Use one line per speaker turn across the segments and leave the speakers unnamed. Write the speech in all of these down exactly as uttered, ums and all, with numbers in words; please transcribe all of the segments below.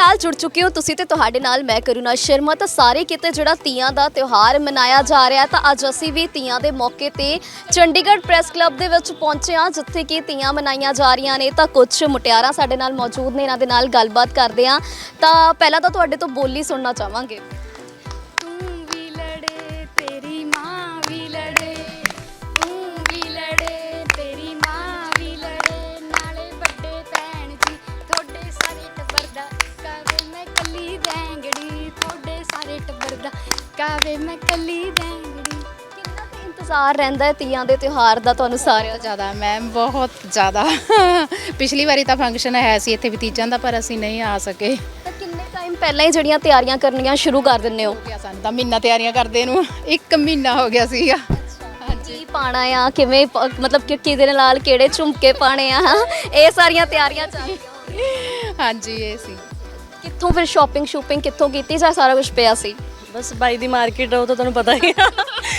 ਨਾਲ ਜੁੜ ਚੁੱਕੇ ਹੋ ਤੁਸੀਂ ਤੇ ਤੁਹਾਡੇ ਨਾਲ ਮੈਂ ਕਰੁਣਾ ਸ਼ਰਮਾ। ਤਾਂ ਸਾਰੇ ਕਿਤੇ ਜਿਹੜਾ ਤੀਆਂ ਦਾ ਤਿਉਹਾਰ ਮਨਾਇਆ ਜਾ ਰਿਹਾ ਤਾਂ ਅੱਜ ਅਸੀਂ ਵੀ ਤੀਆਂ ਦੇ ਮੌਕੇ ਤੇ ਚੰਡੀਗੜ੍ਹ ਪ੍ਰੈਸ ਕਲੱਬ ਦੇ ਵਿੱਚ ਪਹੁੰਚੇ ਹਾਂ ਜਿੱਥੇ ਕਿ ਤੀਆਂ ਮਨਾਈਆਂ ਜਾ ਰਹੀਆਂ ਨੇ। ਤਾਂ ਕੁਝ ਮੁਟਿਆਰਾਂ ਸਾਡੇ ਨਾਲ ਮੌਜੂਦ ਨੇ, ਇਹਨਾਂ ਦੇ ਨਾਲ ਗੱਲਬਾਤ ਕਰਦੇ ਹਾਂ। ਤਾਂ ਪਹਿਲਾਂ ਤਾਂ ਤੁਹਾਡੇ ਤੋਂ ਬੋਲੀ ਸੁਣਨਾ ਚਾਹਾਂਗੇ।
ਕਾਵੇ ਮੈਂ ਕੱਲੀ ਬੈਂਗੜੀ।
ਕਿੰਨਾ ਕੁ ਇੰਤਜ਼ਾਰ ਰਹਿੰਦਾ ਹੈ ਤੀਆਂ ਦੇ ਤਿਉਹਾਰ ਦਾ ਤੁਹਾਨੂੰ ਸਾਰਿਆਂ ਦਾ?
ਜ਼ਿਆਦਾ ਮੈਮ, ਬਹੁਤ ਜ਼ਿਆਦਾ। ਪਿਛਲੀ ਵਾਰੀ ਤਾਂ ਫੰਕਸ਼ਨ ਹੈ ਸੀ ਇੱਥੇ ਭਤੀਜਾਂ ਦਾ, ਪਰ ਅਸੀਂ ਨਹੀਂ ਆ ਸਕੇ।
ਤਾਂ ਕਿੰਨੇ ਟਾਈਮ ਪਹਿਲਾਂ ਹੀ ਜਿਹੜੀਆਂ ਤਿਆਰੀਆਂ ਕਰਨੀਆਂ ਸ਼ੁਰੂ ਕਰ ਦਿੰਦੇ ਹੋ?
ਹੋ ਗਿਆ ਸਾਨੂੰ ਤਾਂ ਮਹੀਨਾ ਤਿਆਰੀਆਂ ਕਰਦੇ ਨੂੰ, ਇੱਕ ਮਹੀਨਾ ਹੋ ਗਿਆ ਸੀਗਾ।
ਕੀ ਪਾਣਾ ਆ, ਕਿਵੇਂ ਪ- ਮਤਲਬ ਕਿ ਕਿਹਦੇ ਨਾਲ ਕਿਹੜੇ ਝੁਮਕੇ ਪਾਣੇ ਆ, ਇਹ ਸਾਰੀਆਂ ਤਿਆਰੀਆਂ ਚੱਲਦੀਆਂ।
ਹਾਂਜੀ, ਇਹ ਸੀ।
ਕਿੱਥੋਂ ਫਿਰ ਸ਼ਾਪਿੰਗ ਸ਼ੂਪਿੰਗ ਕਿੱਥੋਂ ਕੀਤੀ ਜਾਂ ਸਾਰਾ ਕੁਝ ਪਿਆ ਸੀ?
ਬਸ ਬਾਈ ਦੀ ਮਾਰਕੀਟ ਰਹੋ ਤਾਂ ਤੁਹਾਨੂੰ ਪਤਾ ਹੀ ਆ।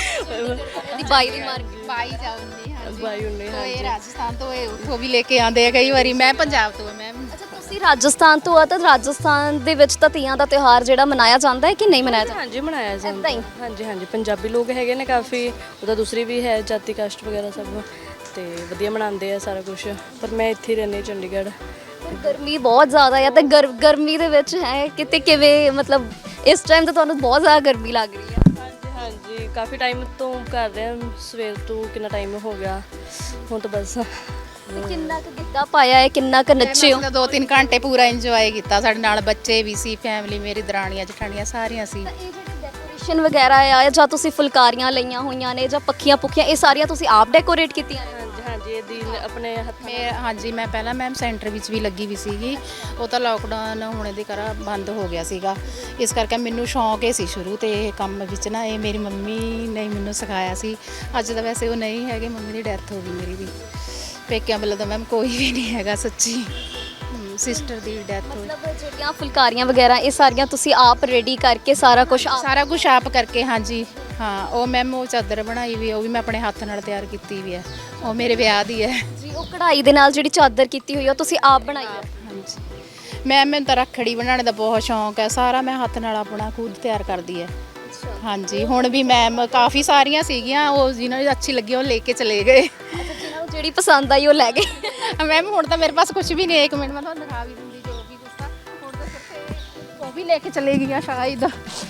ਦੀ ਬਾਈ ਦੀ ਮਾਰਕੀਟ
ਬਾਈ ਜਾਉਂਦੀ ਹਾਂ
ਬਾਈ ਹੁੰਦੇ
ਤੋਂ ਇਹ ਰਾਜਸਥਾਨ ਤੋਂ ਇਹ ਉੱਥੋਂ ਵੀ ਲੈ ਕੇ ਆਉਂਦੇ ਆ ਕਈ ਵਾਰੀ। ਮੈਂ ਪੰਜਾਬ ਤੋਂ ਹਾਂ ਮੈਮ।
ਅੱਛਾ, ਤੁਸੀਂ ਰਾਜਸਥਾਨ ਤੋਂ ਆ ਤਾਂ ਰਾਜਸਥਾਨ ਦੇ ਵਿੱਚ ਤਾਂ ਤੀਆਂ ਦਾ ਤਿਉਹਾਰ ਜਿਹੜਾ ਮਨਾਇਆ ਜਾਂਦਾ ਹੈ ਕਿ ਨਹੀਂ ਮਨਾਇਆ ਜਾਂਦਾ?
ਹਾਂਜੀ ਮਨਾਇਆ ਜਾਂਦਾ
ਏਦਾਂ ਹੀ?
ਹਾਂਜੀ ਹਾਂਜੀ ਪੰਜਾਬੀ ਲੋਕ ਹੈਗੇ ਨੇ ਕਾਫੀ, ਉਹਦਾ ਦੂਸਰੀ ਵੀ ਹੈ ਜਾਤੀ ਕਾਸਟ ਵਗੈਰਾ ਸਭ, ਤੇ ਵਧੀਆ ਮਨਾਉਂਦੇ ਆ ਸਾਰਾ ਕੁਝ। ਪਰ ਮੈਂ ਇੱਥੇ ਹੀ ਰਹਿੰਦੀ ਚੰਡੀਗੜ੍ਹ।
ਪਰ ਗਰਮੀ ਬਹੁਤ ਜ਼ਿਆਦਾ ਆ ਤੇ ਗਰ ਗਰਮੀ ਦੇ ਵਿੱਚ ਹੈ ਕਿਤੇ ਕਿਵੇਂ, ਮਤਲਬ ਇਸ ਟਾਈਮ ਤਾਂ ਤੁਹਾਨੂੰ ਬਹੁਤ ਜ਼ਿਆਦਾ ਗਰਮੀ ਲੱਗ ਰਹੀ ਹੈ?
ਹਾਂਜੀ ਹਾਂਜੀ ਕਾਫੀ ਟਾਈਮ ਤੋਂ ਕਰ ਰਹੇ ਹਾਂ, ਸਵੇਰ ਤੋਂ ਕਿੰਨਾ ਟਾਈਮ ਹੋ ਗਿਆ ਹੁਣ ਤਾਂ ਬਸ।
ਤੇ ਕਿੰਨਾ ਕੁ ਗਿੱਧਾ ਪਾਇਆ ਹੈ, ਕਿੰਨਾ ਕੁ ਨੱਚੇ ਹੋ?
ਅਸੀਂ ਤਾਂ ਦੋ ਤਿੰਨ ਘੰਟੇ ਪੂਰਾ ਇੰਜੋਏ ਕੀਤਾ। ਸਾਡੇ ਨਾਲ ਬੱਚੇ ਵੀ ਸੀ, ਫੈਮਿਲੀ, ਮੇਰੀ ਦਰਾਣੀਆਂ ਜਠਾਣੀਆਂ ਸਾਰੀਆਂ ਸੀ।
ਤਾਂ ਇਹ ਜਿਹੜੀ ਡੈਕੋਰੇਸ਼ਨ ਵਗੈਰਾ ਆ ਜਾਂ ਤੁਸੀਂ ਫੁਲਕਾਰੀਆਂ ਲਈਆਂ ਹੋਈਆਂ ਨੇ ਜਾਂ ਪੱਖੀਆਂ ਪੁੱਖੀਆਂ, ਇਹ ਸਾਰੀਆਂ ਤੁਸੀਂ ਆਪ ਡੈਕੋਰੇਟ ਕੀਤੀਆਂ ਨੇ?
ਹਾਂਜੀ ਹਾਂਜੀ ਇਹ ਦੀ ਆਪਣੇ ਹੱਥ
ਮੈਂ ਹਾਂਜੀ ਮੈਂ ਪਹਿਲਾਂ ਮੈਮ ਸੈਂਟਰ ਵਿੱਚ ਵੀ ਲੱਗੀ ਵੀ ਸੀਗੀ। ਉਹ ਤਾਂ ਲੋਕਡਾਊਨ ਹੋਣੇ ਦੇ ਕਾਰਨ ਬੰਦ ਹੋ ਗਿਆ ਸੀਗਾ, ਇਸ ਕਰਕੇ ਮੈਨੂੰ ਸ਼ੌਂਕ ਹੀ ਸੀ ਸ਼ੁਰੂ ਤੇ ਇਹ ਕੰਮ ਵਿੱਚ ਨਾ। ਇਹ ਮੇਰੀ ਮੰਮੀ ਨੇ ਮੈਨੂੰ ਸਿਖਾਇਆ ਸੀ। ਅੱਜ ਤਾਂ ਵੈਸੇ ਉਹ ਨਹੀਂ ਹੈਗੇ, ਮੰਮੀ ਦੀ ਡੈਥ ਹੋ ਗਈ ਮੇਰੀ ਵੀ। ਪੇਕਿਆਂ ਵੱਲੋਂ ਤਾਂ ਮੈਮ ਕੋਈ ਵੀ ਨਹੀਂ ਹੈਗਾ ਸੱਚੀ, ਸਿਸਟਰ ਦੀ ਡੈਥ ਹੋਈ।
ਮਤਲਬ ਜਿਹੜੀਆਂ ਫੁਲਕਾਰੀਆਂ ਵਗੈਰਾ ਇਹ ਸਾਰੀਆਂ ਤੁਸੀਂ ਆਪ ਰੈਡੀ ਕਰਕੇ ਸਾਰਾ ਕੁਝ?
ਸਾਰਾ ਕੁਝ ਆਪ ਕਰਕੇ, ਹਾਂਜੀ ਹਾਂ। ਉਹ ਮੈਮ ਉਹ ਚਾਦਰ ਬਣਾਈ ਵੀ, ਉਹ ਵੀ ਮੈਂ ਆਪਣੇ ਹੱਥ ਨਾਲ ਤਿਆਰ ਕੀਤੀ ਵੀ ਹੈ। ਉਹ ਮੇਰੇ ਵਿਆਹ ਦੀ ਹੈ
ਜੀ। ਉਹ ਕਢਾਈ ਦੇ ਨਾਲ ਜਿਹੜੀ ਚਾਦਰ ਕੀਤੀ ਹੋਈ ਆ ਉਹ ਤੁਸੀਂ ਆਪ ਬਣਾਈ ਹੈ?
ਹਾਂਜੀ ਮੈਮ, ਮੈਨੂੰ ਤਾਂ ਰੱਖੜੀ ਬਣਾਉਣ ਦਾ ਬਹੁਤ ਸ਼ੌਂਕ ਹੈ। ਸਾਰਾ ਮੈਂ ਹੱਥ ਨਾਲ ਆਪਣਾ ਖੁਦ ਤਿਆਰ ਕਰਦੀ ਹੈ। ਹਾਂਜੀ, ਹੁਣ ਵੀ ਮੈਮ ਕਾਫੀ ਸਾਰੀਆਂ ਸੀਗੀਆਂ, ਉਹ ਜਿਹਨਾਂ ਨੂੰ ਅੱਛੀ ਲੱਗੀ ਉਹ ਲੈ ਕੇ ਚਲੇ ਗਏ।
ਜਿਹਨਾਂ ਨੂੰ ਜਿਹੜੀ ਪਸੰਦ ਆਈ ਉਹ ਲੈ ਗਏ।
ਮੈਮ ਹੁਣ ਤਾਂ ਮੇਰੇ ਪਾਸ ਕੁਝ ਵੀ ਨਹੀਂ ਹੈ। ਇੱਕ ਮਿੰਟ ਮੈਂ ਤੁਹਾਨੂੰ ਦਿਖਾ ਵੀ ਦਿੰਦੀ ਜੋ ਵੀ ਕੁਛ ਤਾਂ। ਹੁਣ ਤਾਂ ਸਿਰਫ ਉਹ ਵੀ ਲੈ ਕੇ ਚਲੇ ਗਈਆਂ ਸ਼ਾਇਦ।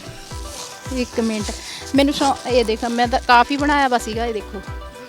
ਇੱਕ ਮਿੰਟ, ਮੈਨੂੰ ਸ਼ੌ ਇਹ ਦੇਖ, ਮੈਂ ਤਾਂ ਕਾਫੀ ਬਣਾਇਆ ਵਾ ਸੀਗਾ। ਇਹ ਦੇਖੋ,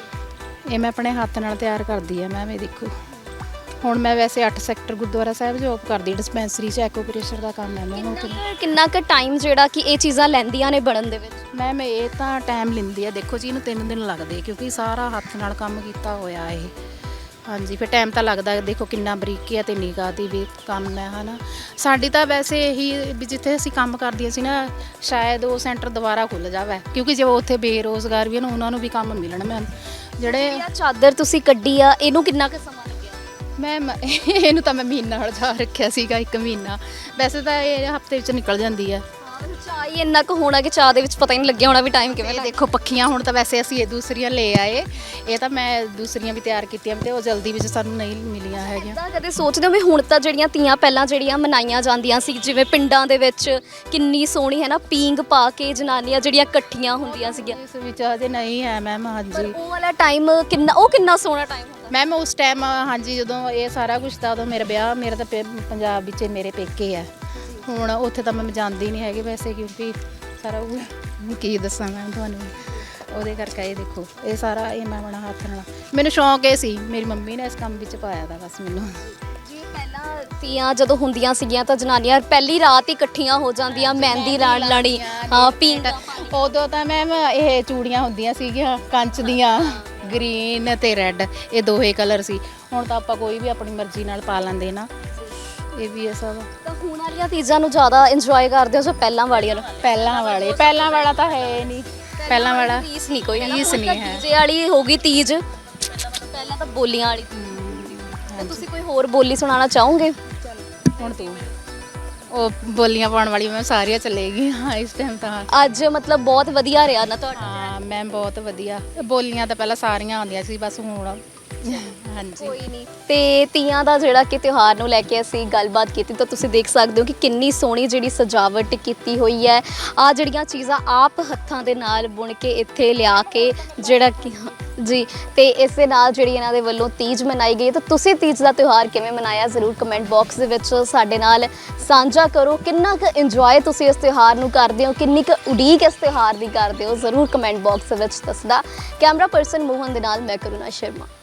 ਇਹ ਮੈਂ ਆਪਣੇ ਹੱਥ ਨਾਲ ਤਿਆਰ ਕਰਦੀ ਹੈ ਮੈਮ। ਇਹ ਦੇਖੋ, ਹੁਣ ਮੈਂ ਵੈਸੇ ਅੱਠ ਸੈਕਟਰ ਗੁਰਦੁਆਰਾ ਸਾਹਿਬ ਜੋਬ ਕਰਦੀ, ਡਿਸਪੈਂਸਰੀ 'ਚ ਐਕੋਪ੍ਰੈਸ਼ਰ ਦਾ ਕੰਮ ਹੈ ਮੈਮ ਉੱਥੇ।
ਕਿੰਨਾ ਕੁ ਟਾਈਮ ਜਿਹੜਾ ਕਿ ਇਹ ਚੀਜ਼ਾਂ ਲੈਂਦੀਆਂ ਨੇ ਬਣਨ ਦੇ ਵਿੱਚ?
ਮੈਮ ਇਹ ਤਾਂ ਟਾਈਮ ਲੈਂਦੀ ਹੈ। ਦੇਖੋ ਜੀ, ਇਹਨੂੰ ਤਿੰਨ ਦਿਨ ਲੱਗਦੇ ਕਿਉਂਕਿ ਸਾਰਾ ਹੱਥ ਨਾਲ ਕੰਮ ਕੀਤਾ ਹੋਇਆ ਇਹ। ਹਾਂਜੀ, ਫਿਰ ਟਾਈਮ ਤਾਂ ਲੱਗਦਾ। ਦੇਖੋ ਕਿੰਨਾ ਬਰੀਕੀ ਹੈ ਤੇ ਨਿਗਾਹ ਦੀ ਵੀ ਕੰਮ ਹੈ, ਹੈ ਨਾ। ਸਾਡੀ ਤਾਂ ਵੈਸੇ ਇਹੀ ਵੀ ਜਿੱਥੇ ਅਸੀਂ ਕੰਮ ਕਰਦੀਆਂ ਸੀ ਨਾ, ਸ਼ਾਇਦ ਉਹ ਸੈਂਟਰ ਦੁਬਾਰਾ ਖੁੱਲ੍ਹ ਜਾਵੇ ਕਿਉਂਕਿ ਜੇ ਉੱਥੇ ਬੇਰੁਜ਼ਗਾਰ ਵੀ ਹਨ ਉਹਨਾਂ ਨੂੰ ਵੀ ਕੰਮ ਮਿਲਣ ਮੈਮ। ਜਿਹੜੇ
ਇਹ ਚਾਦਰ ਤੁਸੀਂ ਕੱਢੀ ਆ, ਇਹਨੂੰ ਕਿੰਨਾ ਕੁ ਸਮਾਂ ਲੱਗਿਆ?
ਮੈਮ ਇਹਨੂੰ ਤਾਂ ਮੈਂ ਮਹੀਨਾ ਹਲਜਾ ਰੱਖਿਆ ਸੀਗਾ, ਇੱਕ ਮਹੀਨਾ। ਵੈਸੇ ਤਾਂ ਇਹ ਹਫਤੇ ਵਿੱਚ ਨਿਕਲ ਜਾਂਦੀ ਹੈ।
ਚਾਹ ਹੀ ਇੰਨਾ ਕੁ ਹੋਣਾ ਕਿ ਚਾਹ ਦੇ ਵਿੱਚ ਪਤਾ ਹੀ ਨਹੀਂ ਲੱਗਿਆ ਹੋਣਾ ਵੀ ਟਾਈਮ ਕਿਵੇਂ
ਇਹ
ਲੱਗਿਆ।
ਦੇਖੋ ਪੱਖੀਆਂ ਹੁਣ ਤਾਂ ਵੈਸੇ ਅਸੀਂ ਇਹ ਦੂਸਰੀਆਂ ਲੈ ਆਏ। ਇਹ ਤਾਂ ਮੈਂ ਦੂਸਰੀਆਂ ਵੀ ਤਿਆਰ ਕੀਤੀਆਂ ਤੇ ਉਹ ਜਲਦੀ ਵਿੱਚ ਸਾਨੂੰ ਨਹੀਂ ਮਿਲੀਆਂ ਹੈਗੀਆਂ।
ਤਾਂ ਕਦੇ ਸੋਚਦੇ ਹੋ ਵੀ ਹੁਣ ਤਾਂ ਜਿਹੜੀਆਂ ਤੀਆਂ ਪਹਿਲਾਂ ਜਿਹੜੀਆਂ ਮਨਾਈਆਂ ਜਾਂਦੀਆਂ ਸੀ, ਜਿਵੇਂ ਪਿੰਡਾਂ ਦੇ ਵਿੱਚ ਕਿੰਨੀ ਸੋਹਣੀ ਹੈ ਨਾ, ਪੀਂਘ ਪਾ ਕੇ ਜਨਾਨੀਆਂ ਜਿਹੜੀਆਂ ਇਕੱਠੀਆਂ ਹੁੰਦੀਆਂ ਸੀਗੀਆਂ,
ਇਸ ਵਿੱਚ ਅਜੇ ਨਹੀਂ ਹੈ ਮੈਮ। ਹਾਂਜੀ
ਉਹ ਵਾਲਾ ਟਾਈਮ ਕਿੰਨਾ, ਉਹ ਕਿੰਨਾ ਸੋਹਣਾ ਟਾਈਮ ਹੁੰਦਾ
ਮੈਮ ਉਸ ਟਾਈਮ। ਹਾਂਜੀ, ਜਦੋਂ ਇਹ ਸਾਰਾ ਕੁਛ ਤਾਂ ਉਦੋਂ ਮੇਰਾ ਵਿਆਹ, ਮੇਰਾ ਤਾਂ ਪੇ- ਪੰਜਾਬ ਵਿੱਚ ਮੇਰੇ ਪੇਕੇ ਆ। ਹੁਣ ਉੱਥੇ ਤਾਂ ਮੈਂ ਜਾਂਦੀ ਨਹੀਂ ਹੈਗੀ ਵੈਸੇ, ਕਿਉਂਕਿ ਸਾਰਾ ਉਹ ਕੀ ਦੱਸਾਂ ਮੈਂ ਤੁਹਾਨੂੰ, ਉਹਦੇ ਕਰਕੇ। ਇਹ ਦੇਖੋ, ਇਹ ਸਾਰਾ ਇਹ ਮੈਂ ਬਣਾ ਹੱਥ ਨਾਲ। ਮੈਨੂੰ ਸ਼ੌਂਕ ਇਹ ਸੀ, ਮੇਰੀ ਮੰਮੀ ਨੇ ਇਸ ਕੰਮ ਵਿੱਚ ਪਾਇਆ ਦਾ ਬਸ ਮੈਨੂੰ।
ਜੀ। ਪਹਿਲਾਂ ਤੀਆਂ ਜਦੋਂ ਹੁੰਦੀਆਂ ਸੀਗੀਆਂ ਤਾਂ ਜਨਾਨੀਆਂ ਪਹਿਲੀ ਰਾਤ ਹੀ ਇਕੱਠੀਆਂ ਹੋ ਜਾਂਦੀਆਂ, ਮਹਿੰਦੀ ਲਾਣ ਲਾਣੀ, ਹਾਂ ਪੀਂਘ।
ਉਦੋਂ ਤਾਂ ਮੈਮ ਇਹ ਚੂੜੀਆਂ ਹੁੰਦੀਆਂ ਸੀਗੀਆਂ ਕੰਚ ਦੀਆਂ, ਗ੍ਰੀਨ ਤੇ ਰੈੱਡ, ਇਹ ਦੋਹੇ ਕਲਰ ਸੀ। ਹੁਣ ਤਾਂ ਆਪਾਂ ਕੋਈ ਵੀ ਆਪਣੀ ਮਰਜ਼ੀ ਨਾਲ ਪਾ ਲੈਂਦੇ ਨਾ। ਇਹ ਵੀ ਹੈ ਸਭ।
ਤਾਂ ਹੁਣ ਵਾਲੀਆਂ ਤੀਜ਼ਾਂ ਨੂੰ ਜ਼ਿਆਦਾ ਇੰਜੋਏ ਕਰਦੇ ਹੋ ਜਾਂ ਪਹਿਲਾਂ ਵਾਲੀਆਂ ਨੂੰ?
ਪਹਿਲਾਂ ਵਾਲੇ, ਪਹਿਲਾਂ ਵਾਲਾ ਤਾਂ ਹੈ ਨਹੀਂ। ਪਹਿਲਾਂ ਵਾਲਾ
ਰੀਸ ਨਹੀਂ ਕੋਈ,
ਰੀਸ ਨਹੀਂ ਹੈ।
ਡੀਜੇ ਵਾਲੀ ਹੋ ਗਈ ਤੀਜ, ਪਹਿਲਾਂ ਤਾਂ ਬੋਲੀਆਂ ਵਾਲੀ। ਤਾਂ ਤੁਸੀਂ ਕੋਈ ਹੋਰ ਬੋਲੀ ਸੁਣਾਉਣਾ ਚਾਹੋਗੇ?
ਹੁਣ ਤੂੰ ਉਹ ਬੋਲੀਆਂ ਪਾਉਣ ਵਾਲੀ ਮੈਂ ਸਾਰੀਆਂ ਚਲੇਗੀ ਹਾਂ ਇਸ ਟਾਈਮ ਤਾਂ।
ਅੱਜ ਮਤਲਬ ਬਹੁਤ ਵਧੀਆ ਰਿਹਾ ਨਾ ਤੁਹਾਡਾ?
ਹਾਂ ਮੈਮ, ਬਹੁਤ ਵਧੀਆ। ਬੋਲੀਆਂ ਤਾਂ ਪਹਿਲਾਂ ਸਾਰੀਆਂ ਆਉਂਦੀਆਂ ਸੀ, ਬਸ ਹੁਣ ਹਾਂਜੀ
ਕੋਈ ਨਹੀਂ। ਤੇ ਤੀਆਂ ਦਾ ਜਿਹੜਾ ਕਿ ਤਿਉਹਾਰ ਨੂੰ ਲੈ ਕੇ ਅਸੀਂ ਗੱਲਬਾਤ ਕੀਤੀ ਤਾਂ ਤੁਸੀਂ ਦੇਖ ਸਕਦੇ ਹੋ ਕਿ ਕਿੰਨੀ ਸੋਹਣੀ ਜਿਹੜੀ ਸਜਾਵਟ ਕੀਤੀ ਹੋਈ ਹੈ। ਆ ਜਿਹੜੀਆਂ ਚੀਜ਼ਾਂ ਆਪ ਹੱਥਾਂ ਦੇ ਨਾਲ ਬੁਣ ਕੇ ਇੱਥੇ ਲਿਆ ਕੇ ਜਿਹੜਾ ਕਿ ਜੀ, ਤੇ ਇਸ ਦੇ ਨਾਲ ਜਿਹੜੀ ਇਹਨਾਂ ਦੇ ਵੱਲੋਂ ਤੀਜ ਮਨਾਈ ਗਈ ਹੈ। ਤਾਂ ਤੁਸੀਂ ਤੀਜ ਦਾ ਤਿਉਹਾਰ ਕਿਵੇਂ ਮਨਾਇਆ ਜ਼ਰੂਰ ਕਮੈਂਟ ਬਾਕਸ ਦੇ ਵਿੱਚ ਸਾਡੇ ਨਾਲ ਸਾਂਝਾ ਕਰੋ। ਕਿੰਨਾ ਕੁ ਇੰਜੋਏ ਤੁਸੀਂ ਇਸ ਤਿਉਹਾਰ ਨੂੰ ਕਰਦੇ ਹੋ, ਕਿੰਨੀ ਕੁ ਉਡੀਕ ਇਸ ਤਿਉਹਾਰ ਦੀ ਕਰਦੇ ਹੋ, ਜ਼ਰੂਰ ਕਮੈਂਟ ਬਾਕਸ ਦੇ ਵਿੱਚ ਦੱਸਦਾ। ਕੈਮਰਾ ਪਰਸਨ ਮੋਹਨ ਦੇ ਨਾਲ ਮੈਂ ਕਰੁਣਾ ਸ਼ਰਮਾ।